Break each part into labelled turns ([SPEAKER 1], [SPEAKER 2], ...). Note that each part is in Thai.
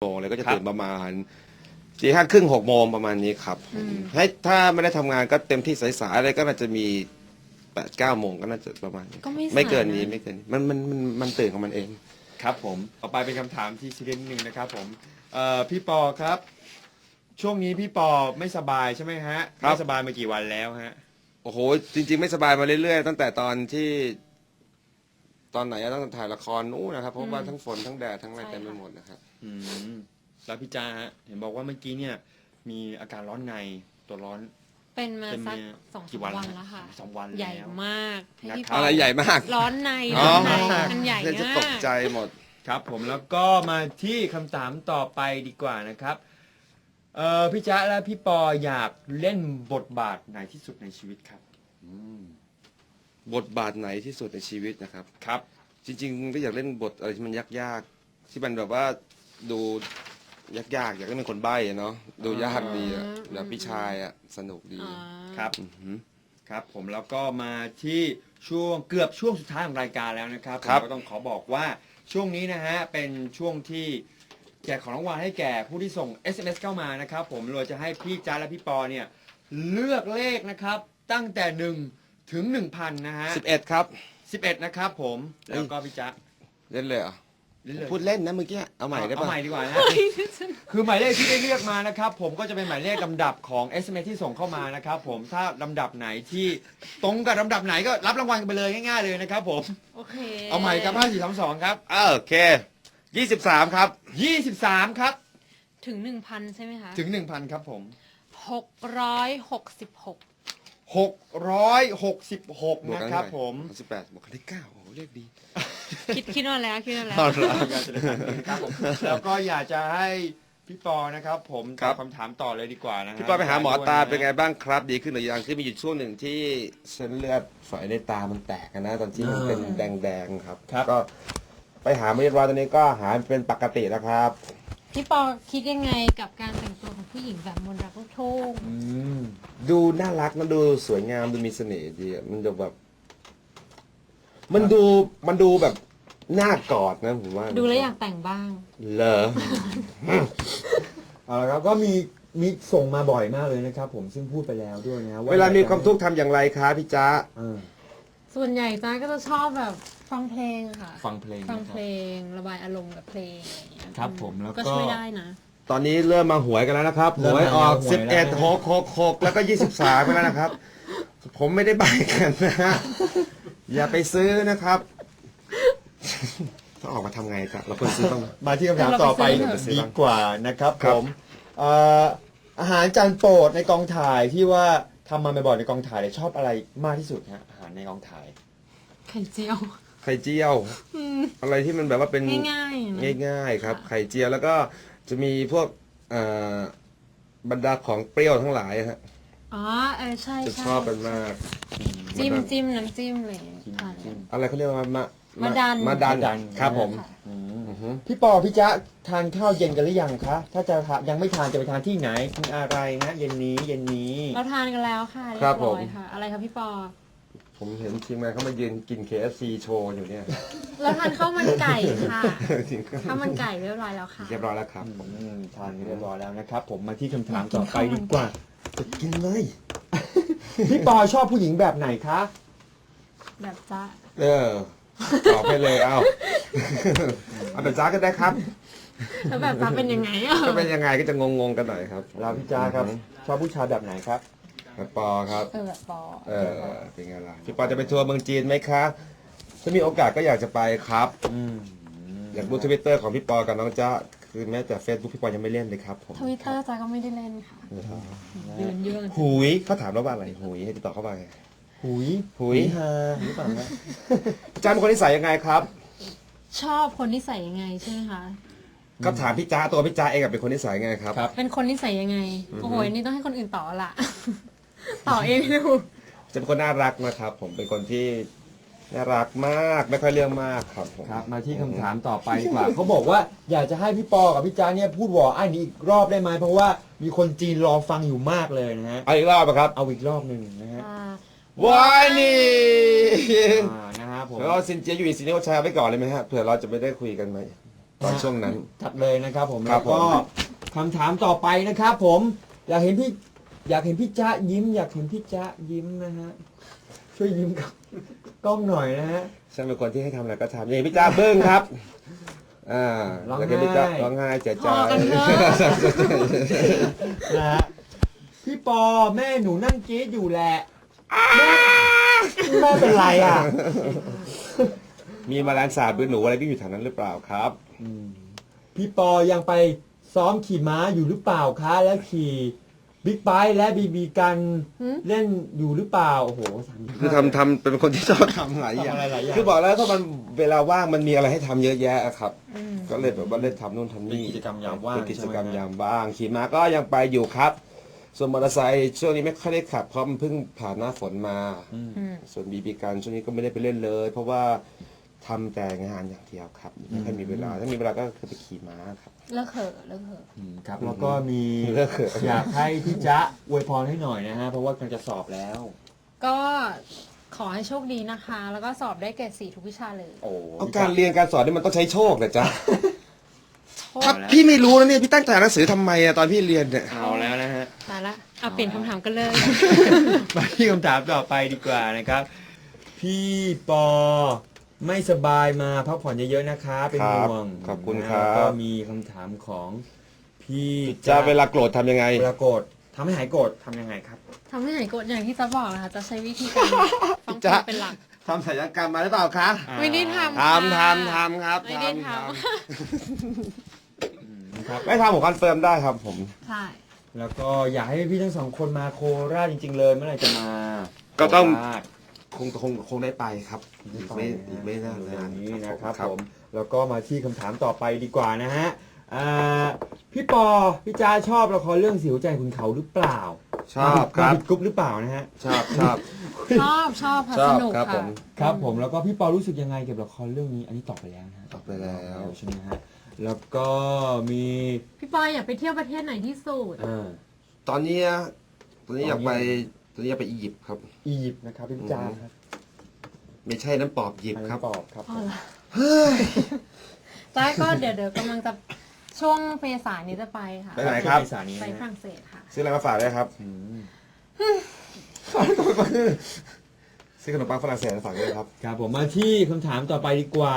[SPEAKER 1] โมงเลยก็จะตื่นประมาณ4:30 6 โมงประมาณนี้ครับให้ถ้าไม่ได้ทำงานก็เต็มที่สายๆอะไรก็น่าจะมี8-9 โมงก็น่าจะประมาณนี้
[SPEAKER 2] ก็ไม่สายนะ
[SPEAKER 1] ไม่เกินนี้ไม่เกินนี้มันตื่นของมันเอง
[SPEAKER 3] ครับผมต่อไปเป็นคำถามที่ซีเรียสนิดนึงนะครับผมพี่ปอครับ ช่วงนี้พี่ปอไม่สบายใช่ไหมฮะ
[SPEAKER 1] ครับ
[SPEAKER 3] ไม่สบายมากี่วันแล้วฮะ
[SPEAKER 1] โอ้โหจริงๆไม่สบายมาเรื่อยๆตั้งแต่ตอนไหนอะตั้งแต่ถ่ายละครนู้นนะครับเพราะว่าทั้งฝนทั้งแดดทั้งอะไรเต็มไปหมดนะครับ
[SPEAKER 3] อืมแล้วพี่จ้าฮะเห็นบอกว่าเมื่อกี้เนี่ยมีอาการร้อนในตัวร้อน
[SPEAKER 2] เป็นมา
[SPEAKER 3] เป็น
[SPEAKER 2] สัก
[SPEAKER 3] มา
[SPEAKER 2] 2-3
[SPEAKER 3] กี่วัน
[SPEAKER 2] วัน
[SPEAKER 3] แล้ว
[SPEAKER 2] แล้วค่ะ
[SPEAKER 3] 2 วันแล้ว
[SPEAKER 2] ใหญ่มากให้พี่
[SPEAKER 3] นะครับ
[SPEAKER 1] อะไรใหญ่มาก
[SPEAKER 2] ร้อนใน
[SPEAKER 1] อ๋อ
[SPEAKER 2] ร้อนในมันใหญ่
[SPEAKER 1] เดี๋ยวจะ
[SPEAKER 2] มา
[SPEAKER 1] ตก
[SPEAKER 2] ก
[SPEAKER 1] ใจหมด
[SPEAKER 3] ครับผมแล้วก็มาที่คำถามต่อไปดีกว่านะครับพี่จ๊ะและพี่ปออยากเล่นบทบาทไหนที่สุดในชีวิตครับ
[SPEAKER 1] บทบาทไหนที่สุดในชีวิตนะครับ
[SPEAKER 3] ครับ
[SPEAKER 1] จริงๆก็อยากเล่นบทอะไรที่มันยากๆที่มันแบบว่าดูยากๆอยากให้เป็นคนใบ้อะเนาะดูยากดีอะแบบพี่ชายอะสนุกดี
[SPEAKER 2] อ๋อ
[SPEAKER 3] ครับ
[SPEAKER 1] อือหือ
[SPEAKER 3] ครับผมแล้วก็มาที่ช่วงเกือบช่วงสุดท้ายของรายการแล้วนะครับ
[SPEAKER 1] ครับ
[SPEAKER 3] ผมก็ต้องขอบอกว่าช่วงนี้นะฮะเป็นช่วงที่แจกของรางวัลให้แก่ผู้ที่ส่ง SMS เข้ามานะครับผมเราจะให้พี่จ้าและพี่ปอเนี่ยเลือกเลขนะครับตั้งแต่1ถึง 1,000 นะฮะ
[SPEAKER 1] 11 ครับ
[SPEAKER 3] 11 นะครับผมแล้วก็พี่จ๊ะ
[SPEAKER 1] เล่นเลยเหรอ
[SPEAKER 3] เล่นเลย
[SPEAKER 1] พูดเล่นนะเมื่อกี้เอาใหม่ได้
[SPEAKER 3] เอา
[SPEAKER 1] ปะ
[SPEAKER 3] ใหม่ดีกว่านะคือหมายเลขที่ได้เลือกมานะครับผมก็จะเป็นหมายเลขลำดับของ SMS ที่ส่งเข้ามานะครับผมถ้าลำดับไหนที่ตรงกับลำดับไหนก็รับรางวัลกันไปเลยง่ายๆเลยนะครับผม
[SPEAKER 2] โอเค
[SPEAKER 3] เอาใหม่ครับ5432ครับ
[SPEAKER 1] โอเค23 ครับ
[SPEAKER 3] 23 ครับ
[SPEAKER 2] ถึง 1,000 ใช่ไหมคะ
[SPEAKER 3] ถึง 1,000 ครับผม
[SPEAKER 2] 666
[SPEAKER 3] 666
[SPEAKER 1] บวก
[SPEAKER 3] นะ
[SPEAKER 1] กัน
[SPEAKER 3] ครับ
[SPEAKER 1] เท่าไห
[SPEAKER 3] ผม
[SPEAKER 1] 18บวกกันได้9โอ้โหเลขดี
[SPEAKER 2] คิดมาแล้ว
[SPEAKER 3] ครับผมแล้วก็อยากจะให้พี่ปอนะครับผม
[SPEAKER 1] ครั
[SPEAKER 3] ตอบบ คำถามต่อเลยดีกว่านะฮะ
[SPEAKER 1] พี่ป้าไปหาหมอตาเป็นไงบ้างครับ ดีขึ้นหรือยังคือมีอยู่ช่วงหนึ่งที่เส้นเลือดฝอยในตามันแตกนะตอนที่มันเป็นแดงๆครับ ก็ไปหาเรียบร้อยตอนนี้ก็หายเป็นปกติแล้วครับ
[SPEAKER 2] พี่ปอคิดยังไงกับการแต่งตัวของผู้หญิงแบบมนต์รักลูกทุ่ง
[SPEAKER 1] ดูน่ารักมันดูสวยงามดูมีเสน่ห์ดีอะมันดูแบบ มันดูแบบน่ากอดนะผมว่า
[SPEAKER 2] ดูแล้วอยากแต่งบ้าง
[SPEAKER 1] เหรอ
[SPEAKER 3] เอาละครับก็มีส่งมาบ่อยมากเลยนะครับผมซึ่งพูดไปแล้วด้วยนะ
[SPEAKER 1] เวลามีความทุกข์ทำอย่างไรคะพี่จ๊ะ
[SPEAKER 2] ส่วนใหญ่จ้าก็จะชอบแบบฟังเพลงค่ะ
[SPEAKER 3] ฟังเพลง
[SPEAKER 2] ฟังเพลงระบายอารมณ์กับเพลงอะไรอย่างเงี้ย
[SPEAKER 3] ครับผมแล้วก็
[SPEAKER 2] ก็ช่วยได้นะ
[SPEAKER 1] ตอนนี้เริ่มมาหวยกันแล้วนะครับห
[SPEAKER 3] เริ่ม
[SPEAKER 1] วยออก
[SPEAKER 3] มาหวยแล้วนะ
[SPEAKER 1] 11 6 6 แล้วก็23ไปแล้วนะครับ ผมไม่ได้ใบกันนะฮะอย่าไปซื้อนะครับต้องออกมาทำไงครับเราควรซื้อต้อง
[SPEAKER 3] มาที่คำถามต่อไป
[SPEAKER 2] เราไปซื้อ
[SPEAKER 3] ดีกว่านะครับ
[SPEAKER 1] ค
[SPEAKER 3] ผ
[SPEAKER 1] รับ
[SPEAKER 3] มอาหารจานโปรดในกองถ่ายที่ว่าทำมาบ่อยๆในกองถ่ายเนี่ยชอบอะไรมากที่สุดฮะอาหารในกองถ่าย
[SPEAKER 2] ไข่เจียว
[SPEAKER 1] ไข่เจียว อะไรที่มันแบบว่าเป็น
[SPEAKER 2] ง่ายๆนะ
[SPEAKER 1] ง่ายๆครับ ไข่เจียวแล้วก็จะมีพวกบรรดาของเปรี้ยวทั้งหลายฮะ
[SPEAKER 2] อ๋อใช่
[SPEAKER 1] จะ
[SPEAKER 2] ใช่
[SPEAKER 1] ชอบกันมาก
[SPEAKER 2] จิ้มน้ำจิ้มอะไรอย่างเงี้ยทาน
[SPEAKER 1] อะไรเขาเรียกว่ามะ
[SPEAKER 2] มะดัน
[SPEAKER 1] มะดันครับผม
[SPEAKER 2] ค่ะ
[SPEAKER 1] อือฮึ
[SPEAKER 3] พี่ปอพี่จ๊ะทานข้าวเย็นกันหรือยังคะถ้าจะทานยังไม่ทานจะไปทานที่ไหนกินอะไรนะเย็นนี้
[SPEAKER 2] เราทานกันแล้วค่ะเรีย
[SPEAKER 1] ครับ
[SPEAKER 2] บ
[SPEAKER 1] ผ
[SPEAKER 2] ร้
[SPEAKER 1] ม
[SPEAKER 2] อยค่ะ อะไรคะพี่ปอ
[SPEAKER 1] ผมเห็นทีมงานเขามายืนกิน KFC โชว์อยู่เนี่ย
[SPEAKER 2] เราทานข้าวมันไก่ค่ะ
[SPEAKER 1] จริง
[SPEAKER 2] ข้าวมันไก่เรียบร้อยแล้วค่ะ
[SPEAKER 1] เรียบร้อยแล้วครับ
[SPEAKER 3] ทานกันเรียบร้อยแล้วนะครับ ผมมาที่คำถามต่อไปดีกว่า
[SPEAKER 1] จะกินเลย
[SPEAKER 3] พี่ปอชอบผู้หญิงแบบไหนคะ
[SPEAKER 2] แบบจ้า
[SPEAKER 1] ตอบไปเลยเอาเอาแบบจ้าก็ได้ครับ
[SPEAKER 2] แล้วแบบจ้าเป็นยังไงอ่ะ
[SPEAKER 1] ก็เป็นยังไงก็จะงงๆกันหน่อยครับ
[SPEAKER 3] เราพี่จ๊ะครับชอบผู้ชายแบบไหนครับ
[SPEAKER 1] แบบปอครับ
[SPEAKER 2] แบบปอ
[SPEAKER 1] เป็นไงล่ะพี่ปอจะไปทัวร์เมืองจีนไหมคะถ้ามีโอกาสก็อยากจะไปครับ อยากดูทวิตเตอร์ของพี่ปอกับน้องจ้าคือแม้แต่เฟซบุ๊กพี่ปอยังไม่เล่นเลยครับผม
[SPEAKER 2] ทวิตเตอร์จ้าก็ไม่ได้เล่นค่ะยืนเยื่อ
[SPEAKER 1] หุยเขาถามแล้วว่าอะไรหุยให้ติดต่อเข้าไป
[SPEAKER 3] หุย
[SPEAKER 1] หุย
[SPEAKER 3] ฮาหรือเปล่าฮะ
[SPEAKER 1] จ้าเป็นคนนิสัยยังไงครับ
[SPEAKER 2] ชอบคนที่ใส่ยังไงใช่ไหมคะ
[SPEAKER 1] ก็ถามพี่จ้าตัวพี่จ้าเองเป็นคนนิสัยยังไงครับ
[SPEAKER 2] เป็นคนที่ใส่ยังไง โอ้โหอันนี่ต้องให้คนอื่นต่อละ ต่อเองไม่รู้
[SPEAKER 1] จะเป็นคนน่ารักนะครับ ผมเป็นคนที่น่ารักมากไม่ค่อยเรื่องมากครับผม
[SPEAKER 3] ครับมาที่คำถามต่อไปดีกว่า เขาบอกว่าอยากจะให้พี่ปอกับพี่จ๊ะเนี่ยพูดวออ้ายนี้อีกรอบได้ไหมเพราะว่ามีคนจีนรอฟังอยู่มากเลยนะฮะ
[SPEAKER 1] เอาอีกรอบนะครับ
[SPEAKER 3] เอาอีกรอบหนึ่งนะฮะ
[SPEAKER 1] วายนี่
[SPEAKER 3] นะฮะผม
[SPEAKER 1] แล้วเราซินเจียอยู่อีกซินเนียลแชร์ไว้ก่อนเลยไหมฮะเผื่อเราจะไม่ได้คุยกันไหมตอนช่วงนั้น
[SPEAKER 3] จัดเลยนะครับผม
[SPEAKER 1] ครั
[SPEAKER 3] แล้
[SPEAKER 1] บ
[SPEAKER 3] วก็
[SPEAKER 1] ผม
[SPEAKER 3] คำถามต่อไปนะครับผมอยากเห็นพี่จ๊ะยิ้ม อยากเห็นพี่จ๊ะยิ้มนะฮะช่วยยิ้มกับกล้องหน่อยนะฮะ
[SPEAKER 1] ฉันเป็นคนที่ให้ทำอะไรก็ทำนี่พี่จ้าบึ้งครับ
[SPEAKER 3] ร้องไห้
[SPEAKER 1] แล้วก็พี่จ้าร้องไห้เสียใจ
[SPEAKER 2] พอกันเถอะ
[SPEAKER 3] นะฮะพี่ปอแม่หนูนั่งกรี๊ดอยู่แหละแม่เป็นไรอ่ะ
[SPEAKER 1] มีแมลงสาบหรือหนูอะไรที่อยู่แถวนั้นหรือเปล่าครับ
[SPEAKER 3] พี่ปอยังไปซ้อมขี่ม้าอยู่หรือเปล่าคะแล้วขี่บิ๊กไบค์และบีบีกัน
[SPEAKER 2] หืม
[SPEAKER 3] เล่นอยู่หรือเปล่าโอ้โหสั่ง
[SPEAKER 1] คือทำเป็นคนที่ชอบทำหลายอย่าง
[SPEAKER 3] ทำอะไรหลายอย่าง
[SPEAKER 1] คือบอกแล้วถ้ามันเวลาว่างมันมีอะไรให้ทำเยอะแยะอะครับ
[SPEAKER 2] อืม
[SPEAKER 1] ก็เลยแบบว่าเล่นทำนู่นทำนี่
[SPEAKER 3] เป็นกิจกรรมยามว่าง
[SPEAKER 1] เป็นกิจกรรม
[SPEAKER 3] ใช่ไหม
[SPEAKER 1] ยามว่างขี่ม้าก็ยังไปอยู่ครับ ส่วนมอเตอร์ไซค์ช่วงนี้ไม่ค่อยได้ขับเพราะมันเพิ่งผ่านหน้าฝนมา
[SPEAKER 2] อืม
[SPEAKER 1] ส่วนบีบีกันช่วงนี้ก็ไม่ได้ไปเล่นเลย เพราะว่าทำแต่งานอย่างเดียวครับไม่ค่อยมีเวลาถ้ามีเวลาก็คือไปขี่ม้าครับ
[SPEAKER 2] เลิกเถอะเลิกเถอะ
[SPEAKER 3] ครับแล้วก็มี
[SPEAKER 1] เลิกเถอะ
[SPEAKER 3] อยากให้พี่จ๊ะอวยพรให้หน่อยนะฮะเพราะว่ากำลังจะสอบแล้ว
[SPEAKER 2] ก็ขอให้โชคดีนะคะ แล้วก็สอบได้เกรด4ทุกวิชาเลย
[SPEAKER 3] โอ้
[SPEAKER 1] เอาการเรียนการสอนนี่มันต้องใช้โชคเหรอจ๊ะ
[SPEAKER 2] โช
[SPEAKER 1] ถ้า
[SPEAKER 2] ค
[SPEAKER 1] พี่ไม่รู้นะเนี่ยพี่ตั้งใจอ่านหนังสือทำไมอะตอนพี่เรียนเนี่ย
[SPEAKER 3] เอาแล้วนะฮะ
[SPEAKER 2] ตายละเอาเปลี่ยนคำถามกันเลย
[SPEAKER 3] มาที่คำถามต่อไปดีกว่านะครับ พี่ปอไม่สบายมาพักผ่อนเยอะๆนะคะ เป็นห่วง
[SPEAKER 1] ขอบคุณ
[SPEAKER 3] นะครับ แล้วก็มีคำถามของพี่
[SPEAKER 1] จะเวลาโกรธทำยังไง
[SPEAKER 3] เวลาโกรธทำให้หายโกรธทำยังไงครับ
[SPEAKER 2] ทำให้หายโกรธอย่างที่จะบอกนะคะ จะใช้วิธีการฟังเพล
[SPEAKER 1] จ๊ะ
[SPEAKER 2] งเป็นหลัก
[SPEAKER 1] ทำศัลยกรรมมาหรือเปล่าคะ
[SPEAKER 2] ไม่ได้ทำ
[SPEAKER 1] ทำ
[SPEAKER 2] ค่ะ
[SPEAKER 1] ครับ
[SPEAKER 2] ไม่ได้ท
[SPEAKER 3] ครับ
[SPEAKER 1] ไม่ทำผมคอนเฟิร์มได้ครับผม
[SPEAKER 2] ำใช่
[SPEAKER 3] แล้วก็อยากให้พี่ทั้งสองคนมาโคราชจริง ๆ เลยเมื่อไหร่จะมา
[SPEAKER 1] ก็ต้อง
[SPEAKER 3] โคราช
[SPEAKER 1] คงได้ไปครับอีกไม่นาน
[SPEAKER 3] เร็
[SPEAKER 1] นาว
[SPEAKER 3] นี้นะครับ
[SPEAKER 1] ครับ
[SPEAKER 3] ผมแล้วก็มาที่คำถามต่อไปดีกว่านะฮะพี่ปอพี่จาชอบละครเรื่องสิวใจขุนเขาหรือเปล่า
[SPEAKER 1] ชอบครับ
[SPEAKER 3] มาผิดกรุ๊ปหรือเปล่านะฮะ
[SPEAKER 1] ชอบ
[SPEAKER 2] ชอบค่ะ
[SPEAKER 1] ชอบ
[SPEAKER 2] สนุก
[SPEAKER 1] ครับผ
[SPEAKER 2] ค่ะ
[SPEAKER 1] ม
[SPEAKER 3] ครับผมแล้วก็พี่ปอรู้สึกยังไงเกี่ยวกับละครเรื่องนี้ อันนี้ตอบไปแล้วนะฮะ
[SPEAKER 1] ตอบไปแล้ว
[SPEAKER 3] ใช่ไหมฮะแล้วก็มี
[SPEAKER 2] พี่ปอยอยากไปเที่ยวประเทศไหนที่สุด
[SPEAKER 1] ตอนนี้อยากไปอียิปต์ครับ
[SPEAKER 3] อียิปต์นะครับพี่จาครับ
[SPEAKER 1] ไม่ใช่น้ำปอบหยิบครับ
[SPEAKER 3] ปอบครับ
[SPEAKER 2] อ๋อเหรอจ้าก็เดี๋ยวกำลังจะช่วงเมษายนนี้จะไปค่ะ
[SPEAKER 1] ไปไหนครับ
[SPEAKER 3] ช่วงเมษายนนี้
[SPEAKER 2] ไป
[SPEAKER 3] นะ
[SPEAKER 2] ฝรั่งเศสค่ะ
[SPEAKER 1] ซื้ออะไรมาฝากด้วยครับ
[SPEAKER 3] อืม
[SPEAKER 1] ซื้อขนมปังฝรั่งเศสมาฝากด้วยครับ
[SPEAKER 3] ครับผมมาที่คำถามต่อไปดีกว่า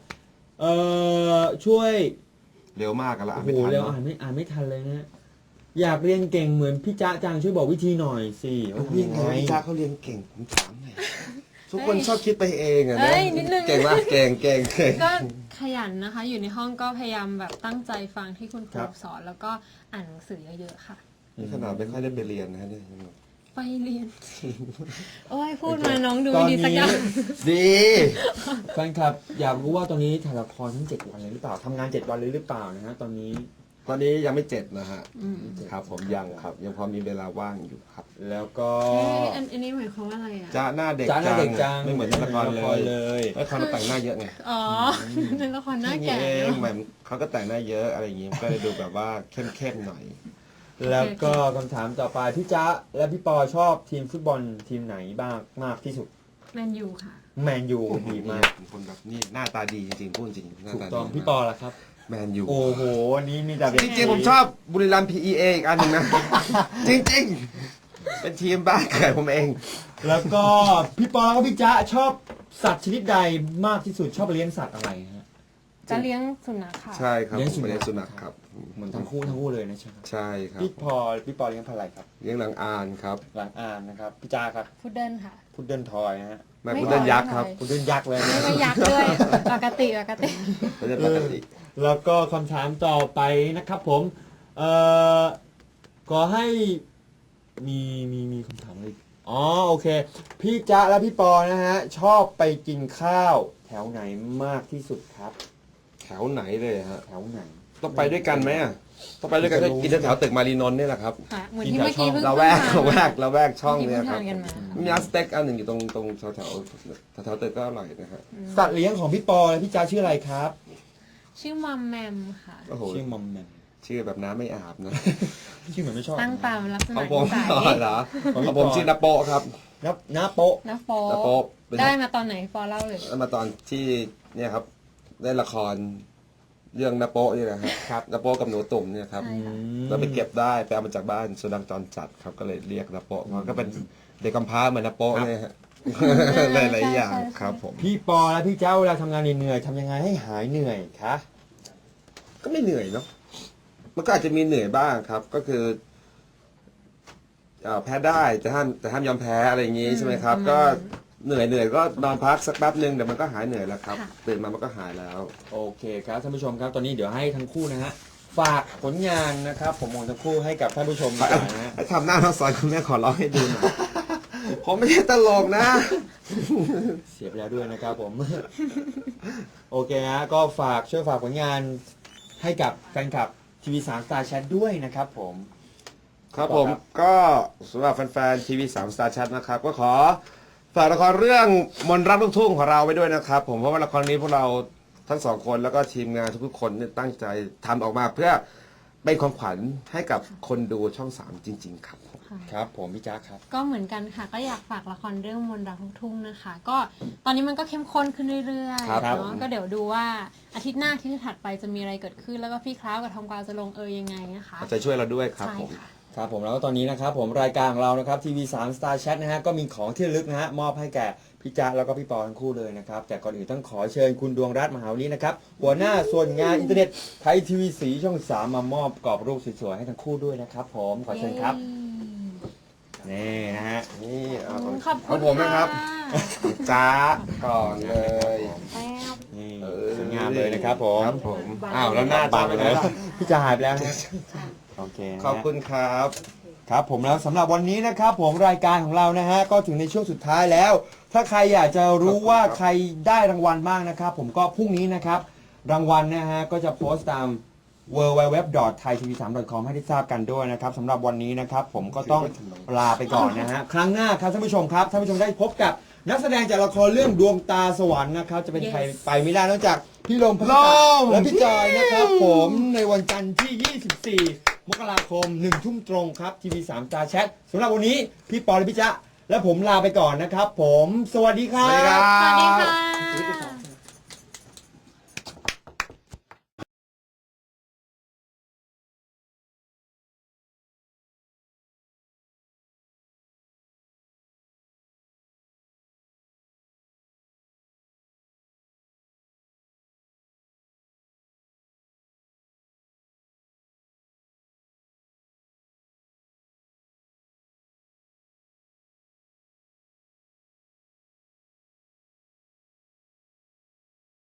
[SPEAKER 3] ช่วย
[SPEAKER 1] เร็วมากกันละ
[SPEAKER 3] โอ้
[SPEAKER 1] อ่าน
[SPEAKER 3] โห
[SPEAKER 1] ไม่ทัน
[SPEAKER 3] เร็ว
[SPEAKER 1] เนอะ
[SPEAKER 3] อ่านไม่ทันเลยนะฮะอยากเรียนเก่งเหมือนพี่จ๊ะจังช่วยบอกวิธีหน่อยสิว่า
[SPEAKER 1] พี่
[SPEAKER 3] ยัง
[SPEAKER 1] ไง
[SPEAKER 3] ไง
[SPEAKER 1] พี่จ้าเขาเรียนเก่งผมถามหน่อยทุกคนชอบคิดไปเองอะนะ
[SPEAKER 2] เอ้ยนิดนึง
[SPEAKER 1] เก่งมากเก่ง
[SPEAKER 2] ก็ขยันนะคะ อยู่ในห้องก็พยายามแบบตั้งใจฟังที่คุณครูสอน แล้วก็อ่านหนังสือเยอะๆค่ะ
[SPEAKER 1] นี่ขนาดไม่ค่อยได้ไปเรียนนะเนี่ย
[SPEAKER 2] ไปเรียน โอ้ยพูดมาน้องดูไม่ดีสักอย่าง
[SPEAKER 1] ดี
[SPEAKER 3] แฟนคลับอยากรู้ว่าตอนนี้ถ่ายละครทั้ง7 วันเลยหรือเปล่าทำงาน7 วันเลยหรือเปล่านะฮะตอนนี้
[SPEAKER 1] ตอนนี้ยังไม่เจ็ดนะฮะ
[SPEAKER 2] อืม
[SPEAKER 1] ครับผมยังครับ ยังพอมีเวลาว่างอยู่ครับ
[SPEAKER 3] แล้วก็
[SPEAKER 2] เอ๊ะอันนี้หมายความว่าอะไรอ่ะ
[SPEAKER 1] จ้าหน้าเด็ก
[SPEAKER 3] จ๊ะหน้าเด็กจัง
[SPEAKER 1] ไม่เหมือนในละคร
[SPEAKER 3] ละคร
[SPEAKER 1] เล
[SPEAKER 3] เลย ย
[SPEAKER 1] ละครเราแต่งหน้าเยอะไง
[SPEAKER 2] อ๋อในละครหน้าแก่
[SPEAKER 1] เอ
[SPEAKER 2] เน
[SPEAKER 1] ง
[SPEAKER 2] อะ
[SPEAKER 1] แบบเขาก็แต่งหน้าเยอะอะไรอย่างงี้ก็เลยดูแบบว่าเข้มๆหน่อย
[SPEAKER 3] แล้วก็คำถามต่อไปพี่จ๊ะและพี่ปอชอบทีมฟุตบอลทีมไหนบ้างมากที่สุด
[SPEAKER 2] แมนยูค่ะ
[SPEAKER 3] แมนยูดีมาก
[SPEAKER 1] เป็นคนแบบนี่หน้าตาดีจริงๆพูดจริงหน้า
[SPEAKER 3] ถูก
[SPEAKER 1] ตา
[SPEAKER 3] ต้
[SPEAKER 1] ดี
[SPEAKER 3] องพี่ปอล่ะครับ
[SPEAKER 1] แมนยู
[SPEAKER 3] โอ้โหวันนี้มีแต่
[SPEAKER 1] จริงๆผมชอบบุรีรัมย์ PEA อีกอันหนึ่งนะ จริงๆ เป็นทีมบ้านเกิดผมเอง
[SPEAKER 3] แล้วก็พี่ปอแล้วก็พี่จ๊ะชอบสัตว์ชนิดใดมากที่สุดชอบเลี้ยงสัตว์อะไรฮะ
[SPEAKER 2] จะเลี้ยงสุนัขค่ะ
[SPEAKER 1] ใช่ครับ
[SPEAKER 3] เลี้ยง
[SPEAKER 1] ผมเป็น
[SPEAKER 3] สุ
[SPEAKER 1] สุ
[SPEAKER 3] นั
[SPEAKER 1] นั
[SPEAKER 3] ข
[SPEAKER 1] ขครับ
[SPEAKER 3] เหมือนทั้งคู่เลยนะใช่ไหม
[SPEAKER 1] ใช่ครับ
[SPEAKER 3] พี่ปอเลี้ยงพันธุ์อะไรครับ
[SPEAKER 1] เลี้ยงหลังอานครับ
[SPEAKER 3] หลังอ่านนะครับพี่จ๊ะครับ
[SPEAKER 2] พุดเดิ้ลค่ะ
[SPEAKER 3] พุดเดิ้ลทอยนะฮะ
[SPEAKER 1] แม่พุดเดิ้ลยักษ์ครับ
[SPEAKER 3] พุดเดิ้ลยักษ์เลย
[SPEAKER 2] ไม่
[SPEAKER 3] นะ
[SPEAKER 2] ไม่ยักษ์ด้วยปกติ
[SPEAKER 1] พุดเดิ้ลปกติ
[SPEAKER 3] แล้วก็คำถามต่อไปนะครับผมขอให้มีคำถามอะไรอ๋อโอเค พี่จ๊ะและพี่ปอนะฮะชอบไปกินข้าวแถวไหนมากที่สุดครับ
[SPEAKER 1] แถวไหนเลยฮะ
[SPEAKER 3] แถวไหน
[SPEAKER 1] ต้องไปด้วยกันไหมอ่ะต้องไปด้วยกันก็กินแถวตึกมารีนนท์นี่แหละครับ
[SPEAKER 2] ค่ะ เหมือนที่เมื่อกี้เพิ่ง
[SPEAKER 1] เราแวกช่อง
[SPEAKER 2] เมื่อกี้
[SPEAKER 1] เนี่ย
[SPEAKER 2] เพิ่ง
[SPEAKER 1] ครั
[SPEAKER 2] ทา
[SPEAKER 1] บ
[SPEAKER 2] นกันมา
[SPEAKER 1] มีร้านสเต็กอันหนึ่งอยู่ตรงแถวตึกก็อร่อยนะฮะ
[SPEAKER 3] สัตว์เลี้ยงของพี่ปอและพี่จ๊ะชื่ออะไรครับ
[SPEAKER 2] ชื่อมัมแมมค่ะ
[SPEAKER 1] โอ้โห
[SPEAKER 3] ชื่อมอมแมม
[SPEAKER 1] ชื่อแบบน้ำไม่อาบนะ
[SPEAKER 3] ชื่อเหมือนไม่ชอบ
[SPEAKER 2] ตั้งตามลักษ
[SPEAKER 1] ข
[SPEAKER 2] ณะ
[SPEAKER 1] องผม
[SPEAKER 2] นิสัย
[SPEAKER 1] เหรอของผมชื่อนาโปะครับ
[SPEAKER 3] น้าโป๊ะ
[SPEAKER 2] นะโฟ
[SPEAKER 1] นาโปะเป็น
[SPEAKER 2] ได้มาตอนไหนฟอเล่าเลย
[SPEAKER 1] มาตอนที่เนี่ยครับได้ละครเรื่องนาโปะนี่นะครับ
[SPEAKER 3] ครับ
[SPEAKER 1] นาโปะกับหนูตุ่มเนี่ยครับ
[SPEAKER 2] ใช่ค่ะ
[SPEAKER 1] เราไปเก็บได้ไปเอามาจากบ้านสุนัขจรจัดครับก็เลยเรียกนาโปะมันก็เป็นเด็กกำพร้าเหมือนนาโปะเนี่ยฮะหลายๆอย่างครับผม
[SPEAKER 3] พี่ปอและพี่เจ้าเวลาทำงานเหนื่อยๆทำยังไงให้หายเหนื่อยคะ
[SPEAKER 1] ก็ไม่เหนื่อยเนาะมันก็อาจจะมีเหนื่อยบ้างครับ ก็คือแพ้ได้แต่ห้ามยอมแพ้อะไรอย่างงี้ใช่ไหมครับ ก็เหนื่อยก็นอนพักสักแป๊บนึงเดี๋ยวมันก็หายเหนื่อยแล้วครับ
[SPEAKER 2] ค่ะ
[SPEAKER 1] ตื่นมามันก็หายแล้ว
[SPEAKER 3] โอเคครับท่านผู้ชมครับตอนนี้เดี๋ยวให้ทั้งคู่นะฮะฝากผลงานนะครับผมของทั้งคู่ให้กับท่านผู้ชมดีกว่านะฮะ
[SPEAKER 1] ทำหน้าน้องสอนคุณแม่ขอร้องให้ดูหน่อย ผมไม่ใช่ตลกนะ
[SPEAKER 3] เสียไปแล้วด้วยนะครับผม โอเคฮะก็ช่วยฝากผลงานให้กับแฟนคลับทีวี3 Star Chat ด้วยนะครับผม
[SPEAKER 1] ครับผมก็สำหรับแฟนๆทีวี3 Star Chat นะครับ ก็ขอฝากละครเรื่องมนต์รักลูกทุ่งของเราไว้ด้วยนะครับ ผมเพราะว่าละครนี้พวกเราทั้งสองคนแล้วก็ทีมงานทุกๆคนเนี่ยตั้งใจทำออกมาเพื่อเป็นของขวัญให้กับคนดูช่อง 3 จริง ๆ ครับผม
[SPEAKER 2] ค่ะ
[SPEAKER 3] ครับผมพี่จ๊าครับ
[SPEAKER 2] ก็เหมือนกันค่ะ ก็อยากฝากละครเรื่องมนต์รักลูกทุ่งนะคะ ก็ตอนนี้มันก็เข้มข้นขึ้นเรื่อยๆ
[SPEAKER 1] ครับ
[SPEAKER 2] เนาะก็เดี๋ยวดูว่าอาทิตย์หน้าที่ถัดไปจะมีอะไรเกิดขึ้น แล้วก็พี่คล้าวกับทองกวาวจะลงยังไงนะคะ
[SPEAKER 1] เอาใจช่วยเราด้วยครับ
[SPEAKER 2] ใช่
[SPEAKER 1] ผม
[SPEAKER 2] ค่ะ
[SPEAKER 3] ครับผมแล้วก็ตอนนี้นะครับผมรายการของเรานะครับทีวี3 Star Chat นะฮะก็มีของที่ระลึกนะฮะมอบให้แก่พี่จ๊ะแล้วก็พี่ปอทั้งคู่เลยนะครับแต่ก่อนอื่นต้องขอเชิญคุณดวงรัตน์มหาวลีนะครับหัวหน้าส่วนงานอินเทอร์เน็ตไทยทีวีสีช่อง 3 มามอบกรอบรูปสวยๆให้ทั้งคู่ด้วยนะครับผมขอเชิญครับนี่นะฮะ
[SPEAKER 1] นี่เอา
[SPEAKER 2] ขอบ
[SPEAKER 1] ข
[SPEAKER 2] คุ
[SPEAKER 1] อง
[SPEAKER 2] ณ
[SPEAKER 1] ผมนะครับ
[SPEAKER 2] ค่ะ
[SPEAKER 1] จ้าก่อนเลย
[SPEAKER 2] แป๊บ
[SPEAKER 3] นี่
[SPEAKER 1] เออ
[SPEAKER 3] สวยงามเลยนะครับผม
[SPEAKER 1] ครับผมอ้าวแล้วหน้า
[SPEAKER 3] บั
[SPEAKER 1] ตาง ไป
[SPEAKER 3] ไป
[SPEAKER 1] ไหน
[SPEAKER 3] แล้ว
[SPEAKER 1] ล่ะ
[SPEAKER 3] พี่จ๊ะหายไปแล้วฮะโอเคนะฮะ
[SPEAKER 1] ขอบคุณครับ
[SPEAKER 3] ครับผมแล้วสำหรับวันนี้นะครับผมรายการของเรานะฮะก็ถึงในช่วงสุดท้ายแล้ว ถ้าใครอยากจะรู้ว่าใครได้รางวัลบ้างนะครับ ผมก็พรุ่งนี้นะครับ รางวัลนะฮะก็จะโพสต์ตาม www.thaitv3.com ให้ได้ทราบกันด้วยนะครับสำหรับวันนี้นะครับ ผมก็ต้องลาไปก่อนนะฮะครั้งหน้าครับท่านผู้ชมครับท่านผู้ชมได้พบกับนักแสดงจากละครเรื่องดวงตาสวรรค์นะครับจะเป็นใคร
[SPEAKER 2] Yes
[SPEAKER 3] ไปไม่ได้นอกจากพี่ลมพระและพี่จอยนะครับผมในวันจันทร์ที่ 24 มกราคม 1 ทุ่มตรงครับทีวี3 Star Chat สำหรับวันนี้พี่ปอและพี่จ๊ะและผมลาไปก่อนนะครับผมสวัสดีครั
[SPEAKER 1] สวัสดีครับ บ
[SPEAKER 2] สวัสดีค่ะ